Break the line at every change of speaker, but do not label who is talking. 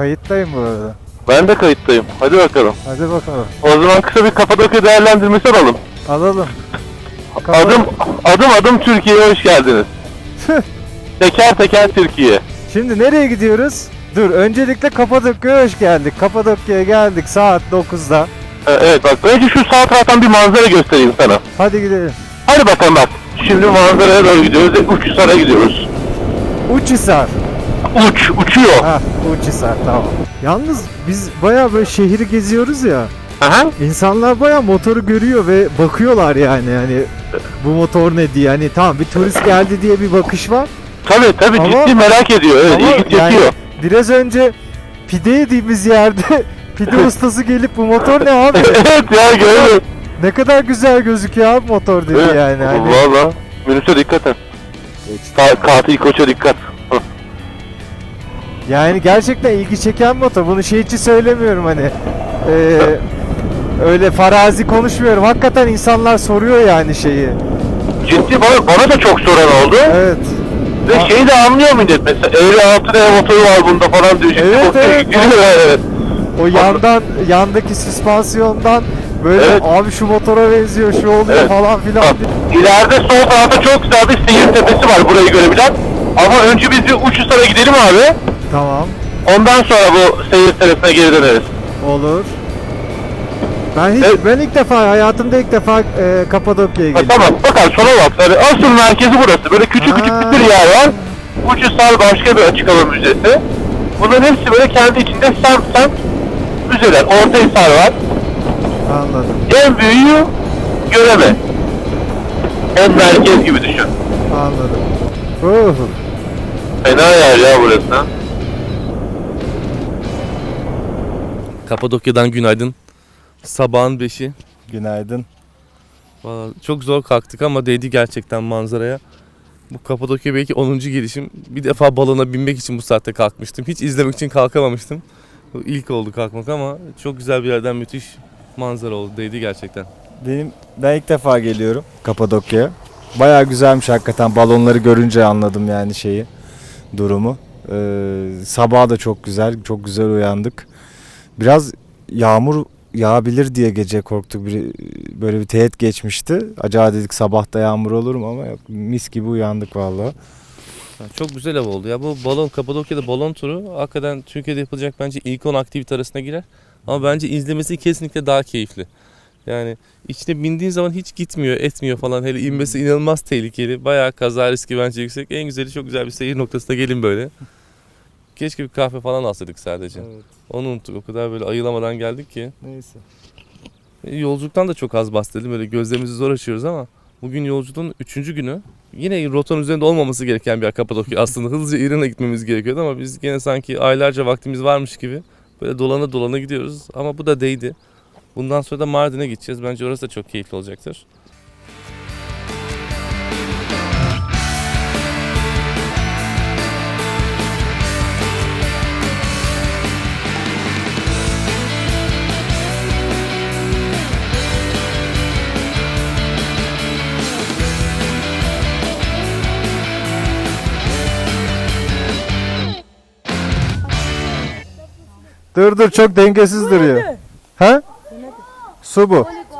Kayıttayım bu arada.
Ben de kayıttayım. Hadi bakalım.
Hadi bakalım.
O zaman kısa bir Kapadokya değerlendirmesi alalım.
Alalım.
Adım Türkiye'ye hoş geldiniz. Teker teker Türkiye.
Şimdi nereye gidiyoruz? Dur, öncelikle Kapadokya'ya hoş geldik. Kapadokya'ya geldik saat 9'da.
Evet bak, önce şu sağ taraftan bir manzara göstereyim sana.
Hadi gidelim.
Hadi bakalım bak. Şimdi manzaraya doğru gidiyoruz. Uçhisar'a gidiyoruz.
Uçhisar.
Uçuyor.
Hah, Uçhisar, tamam. Yalnız biz bayağı böyle şehri geziyoruz ya.
Aha.
İnsanlar bayağı motoru görüyor ve bakıyorlar yani bu motor ne diye. Hani tamam, bir turist geldi diye bir bakış var.
Tabii
Ama-
ciddi merak ediyor. Evet,
Ama
ilgi
yani
çekiyor.
biraz önce pide yediğimiz yerde pide ustası gelip bu motor ne abi?
Evet ya, gördüm.
Ne kadar güzel gözüküyor abi motor dedi
Evet.
yani. Hani,
Valla. Minibüse dikkat et. Katil koça dikkat.
yani gerçekten ilgi çeken motor. Bunu şey için söylemiyorum hani. Öyle farazi konuşmuyorum. Hakikaten insanlar soruyor yani şeyi.
Ciddi, bana da çok soran oldu.
Evet.
Ve şeyi de anlıyor millet mesela. Eğri altı ne motoru var bunda falan diyor. Ciddi
Evet,
motoru
evet.
gidiyor, evet.
O yandaki süspansiyondan böyle
Evet.
abi şu motora benziyor, şu oluyor
Evet.
falan filan.
Bak, İleride sol tarafta çok güzel bir seyir tepesi var burayı görebilen. Ama önce biz bir Uçhisar'a gidelim abi.
Tamam.
Ondan sonra bu seyir tepesine geri döneriz.
Olur.
Evet.
Ben ilk defa hayatımda Kapadokya'ya
Ha,
geldim.
tamam bakalım sola bak. Yani asıl merkezi burası. Böyle küçük
Ha.
bir yer var. Uçhisar başka bir açık hava müzesi. Bunların hepsi böyle kendi içinde semt müzeler. Ortahisar var.
Anladım.
En büyüğü Göreme. En merkez gibi düşün.
Anladım.
Fena yer ya burası.
Kapadokya'dan günaydın. Sabahın 5'i.
Günaydın.
Vallahi çok zor kalktık ama değdi gerçekten manzaraya. Bu Kapadokya belki 10. gelişim. Bir defa balona binmek için bu saatte kalkmıştım. Hiç izlemek için kalkamamıştım. Bu İlk oldu kalkmak ama çok güzel bir yerden müthiş manzara oldu. Değdi gerçekten.
Ben ilk defa geliyorum Kapadokya'ya. Bayağı güzelmiş hakikaten. Balonları görünce anladım yani durumu. Sabah da çok güzel, çok güzel uyandık. Biraz yağmur yağabilir diye gece korktuk. Böyle bir teğet geçmişti. Acaba dedik sabah da yağmur olur mu, ama yok, mis gibi uyandık vallahi.
Çok güzel hava oldu ya. Bu Kapadokya'da balon turu hakikaten Türkiye'de yapılacak bence ilk 10 aktivite arasına girer. Ama bence izlemesi kesinlikle daha keyifli. Yani içine bindiğin zaman hiç gitmiyor, etmiyor falan. Hele inmesi inanılmaz tehlikeli. Bayağı kaza riski bence yüksek. En güzeli çok güzel bir seyir noktasına gelin böyle. Keşke bir kahve falan alsaydık sadece.
Evet.
Onu unuttuk. O kadar böyle ayılamadan geldik ki.
Neyse.
Yolculuktan da çok az bahsedelim. Böyle gözlerimizi zor açıyoruz ama bugün yolculuğun 3. günü. Yine rotanın üzerinde olmaması gereken bir yer Kapadokya. Aslında hızlıca İran'a gitmemiz gerekiyordu ama biz gene sanki aylarca vaktimiz varmış gibi böyle dolana dolana gidiyoruz. Ama bu da değdi. Bundan sonra da Mardin'e gideceğiz. Bence orası da çok keyifli olacaktır.
Dur çok dengesiz duruyor. Ha? Su bu.